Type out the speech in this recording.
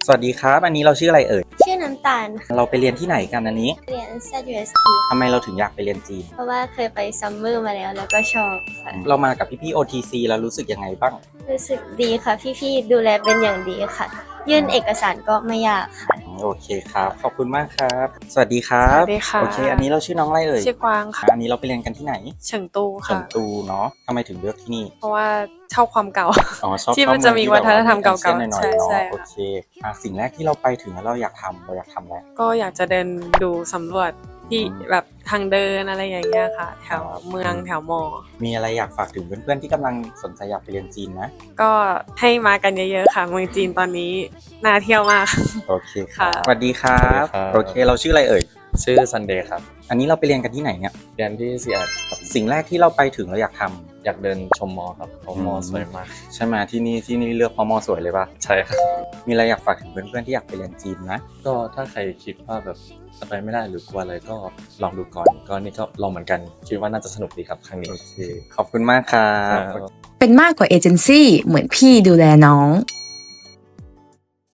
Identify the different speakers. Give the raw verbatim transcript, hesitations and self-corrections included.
Speaker 1: สวัสดีครับอันนี้เราชื่ออะไรเอ่ย
Speaker 2: ชื่อน้ำตาลค่ะ
Speaker 1: เราไปเรียนที่ไหนกันอันนี้
Speaker 2: เรียน แซด ยู เอส ที
Speaker 1: ทำไมเราถึงอยากไปเรียนจีน
Speaker 2: เพราะว่าเคยไปซัมเมอร์มาแล้วแล้วก็ชอบค่ะ
Speaker 1: เรามากับพี่ๆ โอ ที ซี แล้วรู้สึกยังไงบ้าง
Speaker 2: รู้สึกดีค่ะพี่ๆดูแลเป็นอย่างดีค่ะยื่นเอกสารก็ไม่ยากค่ะ
Speaker 1: โอเคครับขอบคุณมากครับสวัสดีครับ
Speaker 3: สวัสดีค่ะ
Speaker 1: โอเคอันนี้เราชื่อน้องอะไรเอ่ย
Speaker 3: ชื่อกวางค่ะ
Speaker 1: อันนี้เราไปเรียนกันที่ไหน
Speaker 3: เฉิงตู
Speaker 1: เฉิง
Speaker 3: ค่ะ
Speaker 1: ตูเนาะทำไมถึงเลือกที่นี่
Speaker 3: เพราะว่าชอบความเก่า
Speaker 1: อ๋อชอบ
Speaker 3: ที่มันจะมีวัฒนธรรมเก่าๆ
Speaker 1: ใช่หน่อยๆเนาะ
Speaker 3: ใช่ใช่
Speaker 1: โอเคอ่ะสิ่งแรกที่เราไปถึงแล้วเราอยากทำเราอยากทำอะไร
Speaker 3: ก็อยากจะเดินดูสำรวจที่แบบทางเดินอะไรอย่างเงี้ยค่ะ แถวเมืองแถวมอ
Speaker 1: มีอะไรอยากฝากถึงเพื่อนๆที่กำลังสนใจอยากไปเรียนจีนนะ
Speaker 3: ก็ให้มากันเยอะๆค่ะเมืองจีนตอนนี้น่าเที่ยวมาก
Speaker 1: โอเค
Speaker 3: ค่ะ
Speaker 1: สวัสดีครับโอเคเราชื่ออะไรเอ่ย
Speaker 4: ชื่อซันเดย์ครับ
Speaker 1: อันนี้เราไปเรียนกันที่ไหนเนี่ย
Speaker 4: เรียนที่ซีแอดครับ
Speaker 1: สิ่งแรกที่เราไปถึงเราอยากทำ
Speaker 4: อยากเดินชมมอครับเพราะมอสวยมาก
Speaker 1: ใช่ไหมที่นี่ที่นี่เลือกเพราะมอสวยเลยป่ะ
Speaker 4: ใช่ครับ
Speaker 1: มีอะไรอยากฝากถึงเพื่อนๆที่อยากไปเรียนจีนนะ
Speaker 4: ก็ถ้าใครคิดว่าแบบจะไปไม่ได้หรือกลัวอะไรก็ลองดูก่อนก็นี่ก็ลองเหมือนกันคิดว่าน่าจะสนุกดีครับครั้งนี้
Speaker 1: โอเคขอบคุณมากครับ
Speaker 5: เป็นมากกว่าเอเจนซี่เหมือนพี่ดูแลน้อง